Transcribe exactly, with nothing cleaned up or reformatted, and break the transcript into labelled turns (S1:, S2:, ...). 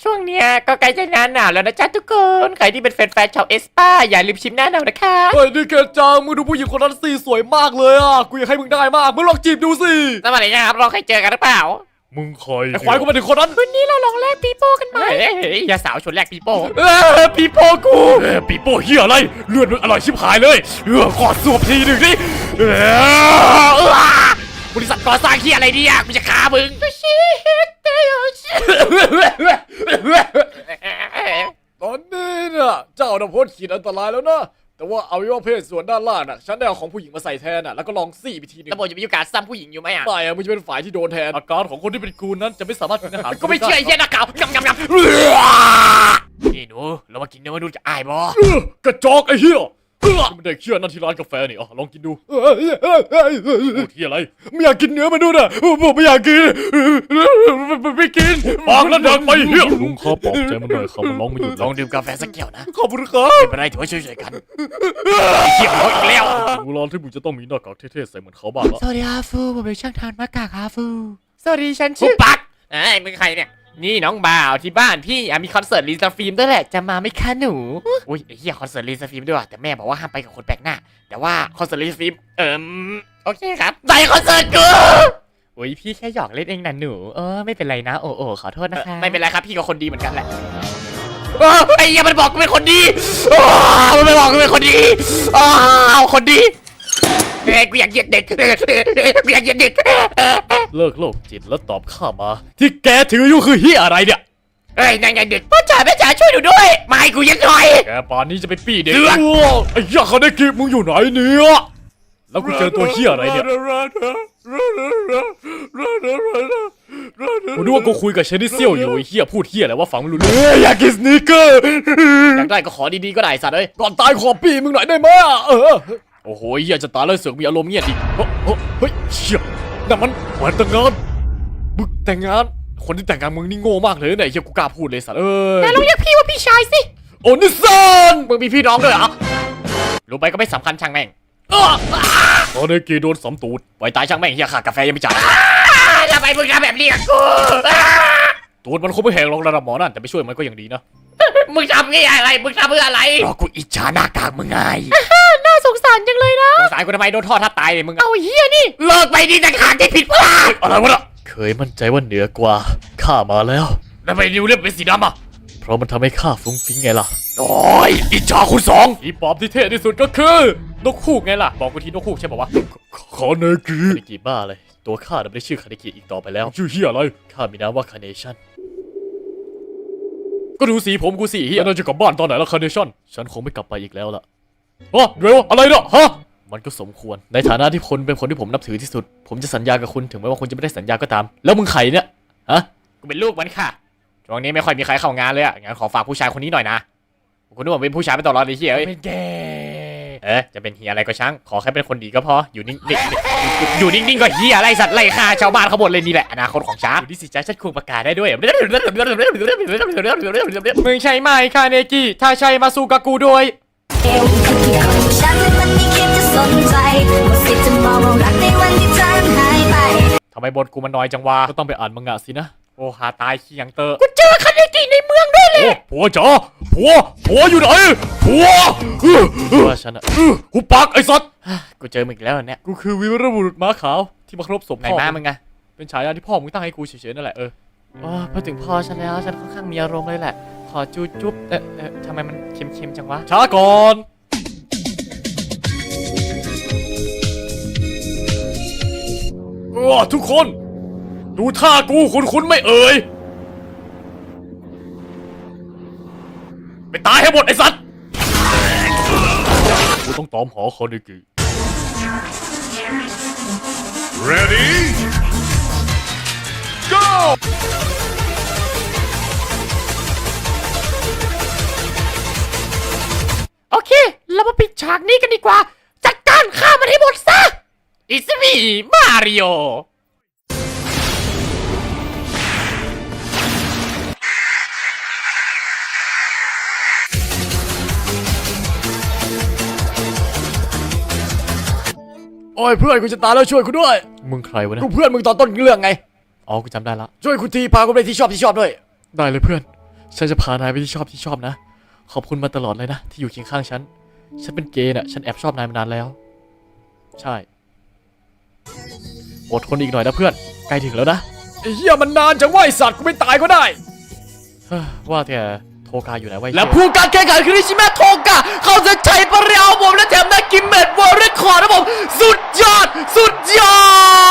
S1: ช่วงเนี้ยก็ใกล้จะหน้าหนาวแล้วนะจ๊ะทุกคนใครที่เป็นแฟนๆชาวเอสป้าอย่าลืมชิมหน้าหนาวนะคะ
S2: เฮ้ยนี่เกดจังมึงดูผู้หญิงคนนั้นสิสวยมากเลยอ่ะกูอยากให้มึงได้มากมึงลองจีบดูสิ
S1: สวัสดีครับเราเคยเจอกันหรือเปล่า
S2: มึงใครไอ้ควายกูมาถึงคนนั้น
S1: วันนี้เราลองแลกปีโป้กันไหมเฮ้ยอย่าสาวชวนแลกปีโป้
S2: เออปีโป้กูเออปีโป้เฮียอะไรเลือดมึงอร่อยชิบหายเลยเออขอสวบทีหนึ่งดิเออบ
S1: ริษัทก่อสร้างที่อะไรเนี่ยกูจะฆ่ามึง
S2: ตอนนี้เนี่ยเจ้าน่ะพ้นขีดอันตรายแล้วนะแต่ว่าเอาไว้ว่าเพศส่วนด้านล่างน่ะฉันได้เอาของผู้หญิงมาใส่แทนน่ะแล้วก็ลองซี่ไปทีนึง
S1: ตำรวจจะมีโอกาสซ้ำผู้หญิงอยู่ไหมอ่ะ
S2: ไม่อะมึงจะเป็นฝ่ายที่โดนแทนอาการของคนที่เป็นกูนั้นจะไม่สามารถกินอาหาร
S1: ก็ไม่เชื่อไอ้เหี้ยนักข่าวงำงำงำนี่หนูเรามากินเนื้อมนุษย์จะอายบ่
S2: กระจอกไอ้เหี้ยไม่ได้เชื่อนั่นที่ร้านกาแฟนี่อ่ะลองกินดูพูดที่อะไรไม่อยากกินเนื้อมนุษย์อ่ะผมไม่อยากกินไม่กินปากแล้วดังไปเหี้ยลุงข้าปลอบใจมันหน่อยครับมันร้องไม่หยุด
S1: ลองดื่มกาแฟสักแก้วนะ
S2: ขอบคุณครับ
S1: ไม่เป็นไรถือว่าช่วยๆกันเหี้ยเขาอีกแล้ว
S2: ดูร้านที่มึงจะต้องมีหน้ากากเท่ๆใส่เหมือนเขาบ้างละ
S1: สวัสดีครับฟูผมเป็นช่างทานหน้ากากครับฟูสวัสดีฉันชื่อปักไอ้มึงใครเนี่ยนี่น้องบ่าวที่บ้านพี่มีคอนเสิร์ตลีซาฟิล์มด้วยแหละจะมาไหมคะหนูอุ้ยไอ้เหี้ยคอนเสิร์ตลีซาฟิล์มด้วยว่ะแต่แม่บอกว่าห้ามไปกับคนแปลกหน้าแต่ว่าคอนเสิร์ตลีซาฟิล์มเอิมโอเคครับไปคอนเสิร์ตกูอุ้ยพี่แค่หยอกเล่นเองนะหนูเออไม่เป็นไรนะโอ้โอ้ขอโทษนะคะไม่เป็นไรครับพี่ก็คนดีเหมือนกันแหละไอ้เหี้ยมันบอกกูเป็นคนดีมันไม่บอกกูเป็นคนดีเอาคนดีเฮ้ยกูอยากเหยียดเด็กกูอยากเหยียดเด็ก
S2: เลิกโลกจิตแล้วตอบข้ามาที่แกถืออยู่คือเหี้ยอะไรเนี่ย
S1: เฮ้ยนายเด็กพ่อจ๋าแม่จ๋าช่วยหนูด้วยมาให้กูยังหน่อย
S2: แกป่านนี้จะไปปี้เด็กไอ้เหี้ยเขาได้กีบมึงอยู่ไหนเนี่ยแล้วกูเจอตัวเหี้ยอะไรเนี่ยกูนึกว่ากูคุยกับเชนิเซียวอยู่ไอ้เหี้ยพูดเหี้ยอะไรว่าฟังไม่รู้เรื่องอยากกินสนิเกอร์
S1: อยากได้ก็ขอดีๆก็ได้สัตว์เอ้ย
S2: ก่อนตายขอปี้มึงหน่อยได้ไหมอ่ะเออโอ้โหเหี้ยจะตายแล้วเสือกมีอารมณ์เงี้ยดิเฮ้ยเชี่ยนั่นมันวันแต่งงานมึงแต่งงานคนที่แต่งงานมึงนี่โง่มากเลยเนี่ยเฮียกูกล้าพูดเลยสัตว์เอ้ย
S1: แต่เราเรียกพี่ว่าพี่ชายสิ
S2: โอ้นิสัน
S1: มึงมีพี่น้องด้วยเหรอรู้ไปก็ไม่สำคัญช่างแม่ง
S2: ตอนนี้กีโดนสำตูด
S1: ไว้ตายช่างแม่งเฮียขากาแฟยังไม่จ่ายทำไมมึงทำแบบนี้กับกู
S2: ตูดมันคงไม่แหงลงระดับหมอนั่นแต่ไปช่วยมันก็ยังดีนะ
S1: มึงทำงี้อะไรมึงทำเพื่ออะไร
S2: เพราะกูอิจฉาหน้ากากมึงไง
S1: น่าสงสารจังเลยนะสงสารกูทำไมโดนทอดทับตายเลยมึงเอาเฮียนี่เลิกไปดีจะขาดที่ผิดพลาด
S2: อะไรวะล่ะเคยมั่นใจว่าเหนือกว่าข้ามาแล้ว
S1: แล้วไปนิ้วเล็บเป็นสีดำอ่ะ
S2: เพราะมันทำให้ข้าฟุ้งฟิ้งไงล่ะโอ้ยอิจฉาคุณสองอีปอบที่เท่ที่สุดก็คือนกฮูกไงล่ะบอกกูทีนกฮูกใช่ป่าวะคาเนกิคาเนกิบ้าเลยตัวข้าไม่ได้ชื่อคาเนกิอีกต่อไปแล้วชื่อเฮียอะไรข้ามีนามว่าคาเนชั่นก็ดูสีผมกูสิเฮียน่าจะกลับบ้านตอนไหนแล้วคาเนชั่นฉันคงไม่กลับไปอีกแล้วล่ะอ๋อเดี๋ยวอะไรเนาะฮะมันก็สมควรในฐานะที่คนเป็นคนที่ผมนับถือที่สุดผมจะสัญญากับคุณถึงแม้ว่าคุณจะไม่ได้สัญญาก็ตามแล้วมึงใครเนี่ยฮะ
S1: กูเป็นลูกมันค่ะช่วงนี้ไม่ค่อยมีใครเข้างานเลยอ่ะงั้นขอฝากผู้ชายคนนี้หน่อยนะคุณนึกว่าเป็นผู้ชายไปตลอดเลยเฮียเอ้ย
S2: เป็นแก
S1: เอ๊ะจะเป็นเฮียอะไรก็ช่างขอแค่เป็นคนดีก็พออยู่นิ่งๆอยู่นิ่งๆก็เฮียอะไรสัตว์ไล่ฆ่าชาวบ้านเขาหมดเลยนี่แหละอนาคตของฉันดูดิสิจ้าฉันควรประกาศได้ด้วยมึงใช่ไหมคาเนกิถ้าใช่มาสู้กับกูด้วยทำไมบทกูมันน้อยจังวะ
S2: ก็ต้องไปอ่านมังงะสินะ
S1: โอ้หาตายขี้ยังเตอร์
S2: กูเจอคาเนกิในเมืองด้วยเลยผัวจ๋าผัวผัวอยู่ไหนผัว
S1: ว่าฉันอะ
S2: กูปักไอ้สัตว์
S1: กูเจอมึงอีกแล้วเนี่ย
S2: กูคือวีรบุรุษม้าขาวที่มาครบศพ
S1: พ่อไหนม้ามึงไง
S2: เป็นฉายาที่พ่อมึงตั้งให้กูเฉยๆนั่นแหละเออ
S1: พอถึงพ่อฉันแล้วฉันค่อนข้างมีอารมณ์เลยแหละขอจูจุ๊บเอ๊ะเอ๊ะทำไมมันเค็มๆจังวะ
S2: ช้าก่อนเออทุกคนดูท่ากูคุ้นๆไม่เอ่ยไปตายให้หมดไอ้สัตว์กูต้องตอมหอคาเนกิ Ready Go
S1: โอเคเรามาปิดฉากนี้กันดีกว่าจัดการฆ่ามันให้หมดซะอิสมีมาริโอ
S2: โอ้ยเพื่อนกูจะตายแล้วช่วยกูด้วยมึงใครวะเนี่ยกูเพื่อนมึงตอนต้นเรื่องไงอ๋อกูจำได้ละช่วยกูทีพากูไปที่ชอบที่ชอบด้วยได้เลยเพื่อนฉันจะพานายไปที่ชอบที่ชอบนะ ขอบคุณมาตลอดเลยนะที่อยู่เคียงข้างฉัน ฉันเป็นเกย์น่ะ ฉันแอบชอบนายมานานแล้ว ใช่ อดทนอีกหน่อยนะเพื่อน ใกล้ถึงแล้วนะไอ้เหี้ยมันนานจังว่าไอสัตว์กูไม่ตายก็ได้เฮ้อว่าแต่โทกาอยู่ไหนวะไอ้
S1: และ
S2: เหี้ย
S1: ผู้การแข่งขันคือนิชิเมะโทกะเขาจะใช้ปริยาผมและแถมได้กิมเมตวอร์เรคคอร์ดนะผมสุดยอดสุดยอด